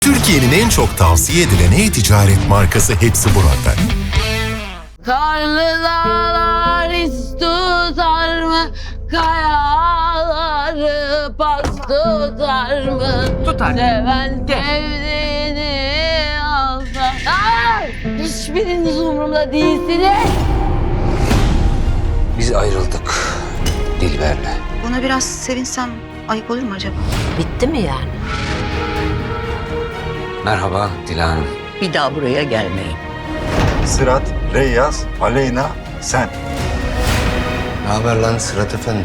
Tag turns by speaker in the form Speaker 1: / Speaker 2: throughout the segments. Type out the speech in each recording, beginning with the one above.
Speaker 1: Türkiye'nin en çok tavsiye edilen e-ticaret markası hepsi burada.
Speaker 2: Karlı dağlar hiç tutar mı? Kayaları pas tutar mı?
Speaker 3: Tutar.
Speaker 2: Seven sevdiğini alsa. Hiçbiriniz umurumda değilsiniz.
Speaker 4: Biz ayrıldık Dilber'le.
Speaker 5: Buna biraz sevinsem ayıp olur mu acaba?
Speaker 2: Bitti mi yani?
Speaker 4: Merhaba Dilan Hanım.
Speaker 3: Bir daha buraya gelmeyin.
Speaker 6: Sırat, Reyyaz, Aleyna, sen.
Speaker 4: Ne haber lan Sırat Efendi?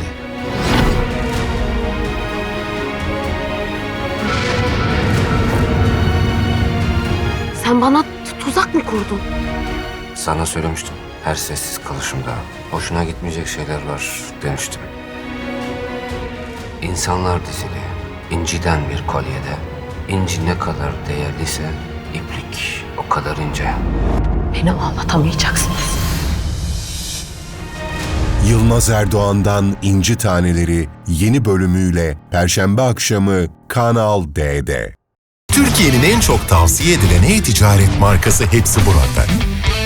Speaker 2: Sen bana tuzak mı kurdun?
Speaker 4: Sana söylemiştim. Her sessiz kalışımda hoşuna gitmeyecek şeyler var demiştim. İnsanlar dizili, inciden bir kolyede. İnci ne kadar değerliyse iplik o kadar ince.
Speaker 2: Beni anlatamayacaksınız.
Speaker 1: Yılmaz Erdoğan'dan İnci Taneleri yeni bölümüyle Perşembe akşamı Kanal D'de. Türkiye'nin en çok tavsiye edilen e-ticaret markası hepsi burada.